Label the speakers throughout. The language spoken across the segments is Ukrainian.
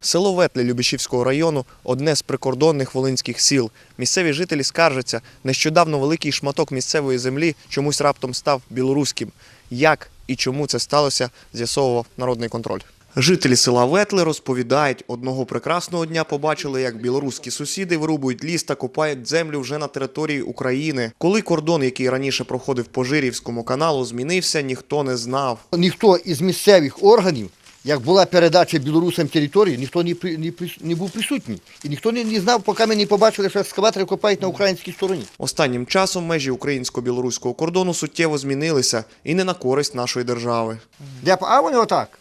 Speaker 1: Село Ветле Любешівського району – одне з прикордонних волинських сіл. Місцеві жителі скаржаться, нещодавно великий шматок місцевої землі чомусь раптом став білоруським. Як і чому це сталося, з'ясовував Народний контроль. Жителі села Ветле розповідають, одного прекрасного дня побачили, як білоруські сусіди вирубують ліс та копають землю вже на території України. Коли кордон, який раніше проходив по Жирівському каналу, змінився, ніхто не знав.
Speaker 2: Ніхто із місцевих органів, як була передача білорусам території, ніхто не був присутній. І ніхто не знав, поки ми не побачили, що екскаватори копають на українській стороні.
Speaker 1: Останнім часом межі українсько-білоруського кордону суттєво змінилися і не на користь нашої держави.
Speaker 2: А вони отак.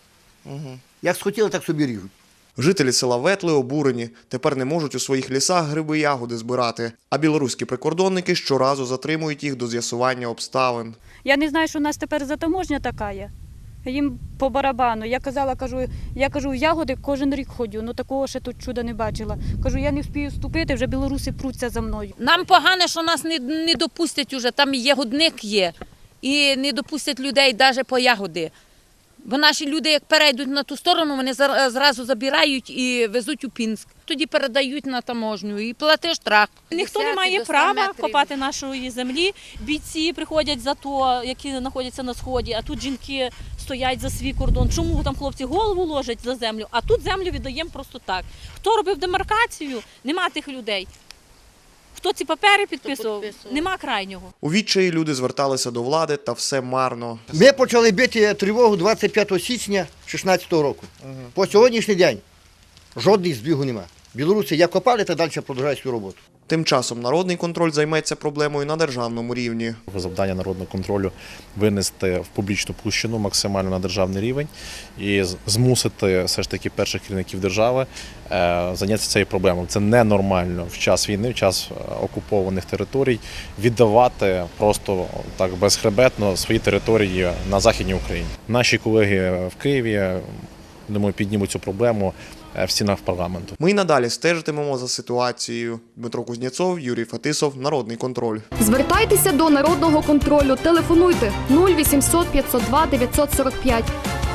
Speaker 2: Як схотіли, так собі ріжуть.
Speaker 1: Жителі села Ветле обурені. Тепер не можуть у своїх лісах гриби, ягоди збирати. А білоруські прикордонники щоразу затримують їх до з'ясування обставин.
Speaker 3: Я не знаю, що у нас тепер затаможня така є. Їм по барабану. Я кажу, в ягоди кожен рік ходжу, ну такого ще тут чуда не бачила. Кажу, я не встигаю вступити, вже білоруси пруться за мною.
Speaker 4: Нам погано, що нас не допустять уже, там ягодник є, і не допустять людей навіть по ягоди. Бо наші люди, як перейдуть на ту сторону, вони зразу забирають і везуть у Пінськ. Тоді передають на таможню і платиш штраф.
Speaker 5: Ніхто не має права копати нашої землі. Бійці приходять за то, які знаходяться на сході, а тут жінки стоять за свій кордон. Чому там хлопці голову ложать за землю, а тут землю віддаємо просто так. Хто робив демаркацію? Нема тих людей. Хто ці папери підписував? Нема крайнього.
Speaker 1: У відчаї люди зверталися до влади, та все марно.
Speaker 2: Ми почали бити тривогу 25 січня 2016 року. По сьогоднішній день жодних збігу нема. Білоруси як копали, та далі продовжують свою роботу.
Speaker 1: Тим часом Народний контроль займеться проблемою на державному рівні.
Speaker 6: Завдання народного контролю – винести в публічну площину максимально на державний рівень і змусити все ж таки перших керівників держави зайнятися цією проблемою. Це ненормально в час війни, в час окупованих територій віддавати просто так безхребетно свої території на Західній Україні. Наші колеги в Києві, думаю, піднімуть цю проблему в стінах парламенту.
Speaker 1: Ми й надалі стежитимемо за ситуацією. Дмитро Кузнєцов, Юрій Фетисов, Народний контроль.
Speaker 7: Звертайтеся до Народного контролю. Телефонуйте 0800 502 945.